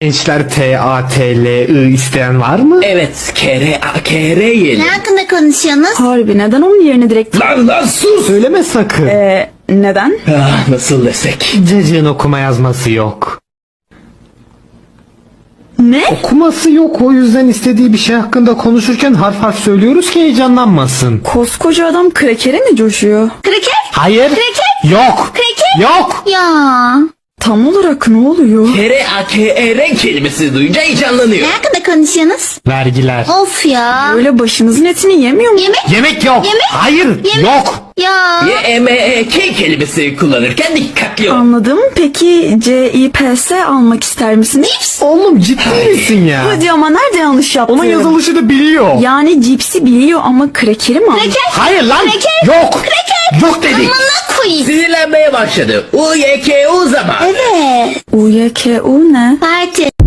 Gençler P-A-T-L-I isteyen var mı? Evet, kere yiyelim. Ne hakkında konuşuyorsunuz? Harbi neden onun yerine direkt... Lan sus! Söyleme sakın. Neden? Ah, nasıl desek? Cacığın okuma yazması yok. Ne? Okuması yok, o yüzden istediği bir şey hakkında konuşurken harf harf söylüyoruz ki heyecanlanmasın. Koskoca adam krekere mi coşuyor? Kraker? Hayır. Kreket? Yok. Kreket? Yok. Ya. Tam olarak ne oluyor? Kere kelimesi duyunca heyecanlanıyor. Ne hakkında konuşuyorsunuz? Vergiler. Of ya. Böyle başınızın etini yemiyor mu? Yemek? Yemek yok. Yemek? Hayır. Yemek? Yok. Ya. Y-M-E-K kelimesi kullanırken dikkatli ol. Anladım. Peki C-I-P-S almak ister misiniz? Oğlum ciddi misin ya? Hadi ama nerede yanlış yaptım? Onun yazılışı da biliyor. Yani cipsi biliyor ama krekeri mi aldı? Kraker? Hayır lan. Kraker? Yok. Yok dedik. Amına koyayım. Sinirlenmeye başladı. U-Y-K-U zaman. Evet. U-Y-K-U ne? Parti.